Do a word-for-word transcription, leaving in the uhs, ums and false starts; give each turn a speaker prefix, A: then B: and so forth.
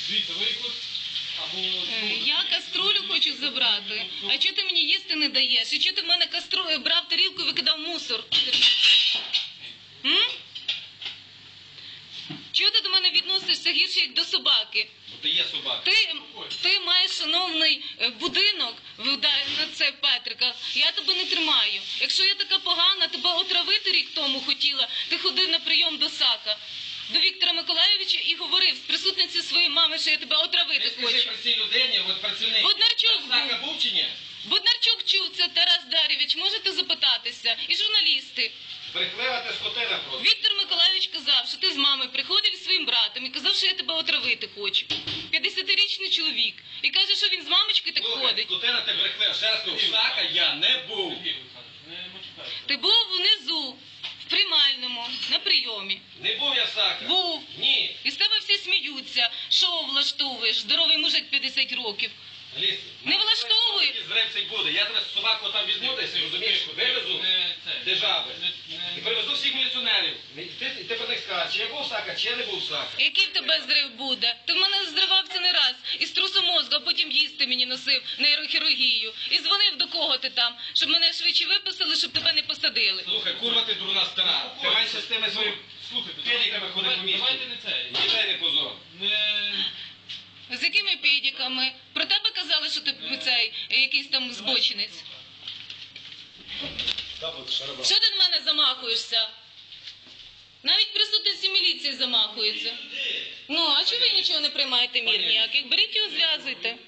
A: Дивіться, ви якось... Або...
B: Я каструлю хочу забрати. А чого ти мені їсти не даєш? І чого ти в мене каструлю брав тарілку і викидав мусор? М? Чого ти до мене відносишся гірше, як до собаки?
C: Бо ти є собака.
B: Ти, ти маєш шановний будинок на це Петрика. Я тебе не тримаю. Якщо я така погана, тебе отравити рік тому хотіла, ти ходив на прийом до Сака, до Віктора Миколайовича і говорив з присутниці своєї мами, що я тебе отравити
C: Ти
B: хочу.
C: скажи про цій людині, от працівник.
B: Боднарчук
C: Сака
B: був.
C: був чи ні?
B: Боднарчук чув це, Тарас Дар'євич, можете запитатися. І журналісти.
C: Брехлива ти скотина просто.
B: Віктор Миколайович казав, що ти з мамою приходив із своїм братом і казав, що я тебе отравити хочу. п'ятдесятирічний чоловік. І каже, що він з мамочкою так
C: Слухай,
B: ходить.
C: скотина ти брехлива. Ще раз кажу, Сака я не був.
B: Ти був внизу, в приймальному, на прийомі.
C: Не був я Сака.
B: Був.
C: Ні.
B: І з тебе всі сміються. Шоу влаштовуєш, здоровий мужик п'ятдесят років.
C: Ліс.
B: Не влаштовуй.
C: Зрив буде. Я тебе з собаку там візьму десь, розумієш, вивезу держави. І привезу всіх міліціонерів. І ти, і ти про них скажеш, чи я був Сака, чи я не був Сака.
B: Який в тебе зрив буде? Ти в мене зривався не раз. Із трусу мозку, а потім їсти мені носив нейрохірургію. І дзвонив до кого ти там, щоб мене швидше виписали, щоб тебе не посадили.
C: Слухай, курва ти дурна стара. Ти менше з тими своїми педиками ходи по місту.
A: Давайте не це.
C: Дітей не позор.
B: З якими педиками? Про тебе казали, що ти цей якийсь там збочинець. Що ти на мене замахуєшся? Навіть присутності міліції замахуються. Ну, а чого ви нічого не приймаєте мір ніяких? Беріть його, зв'язуйте.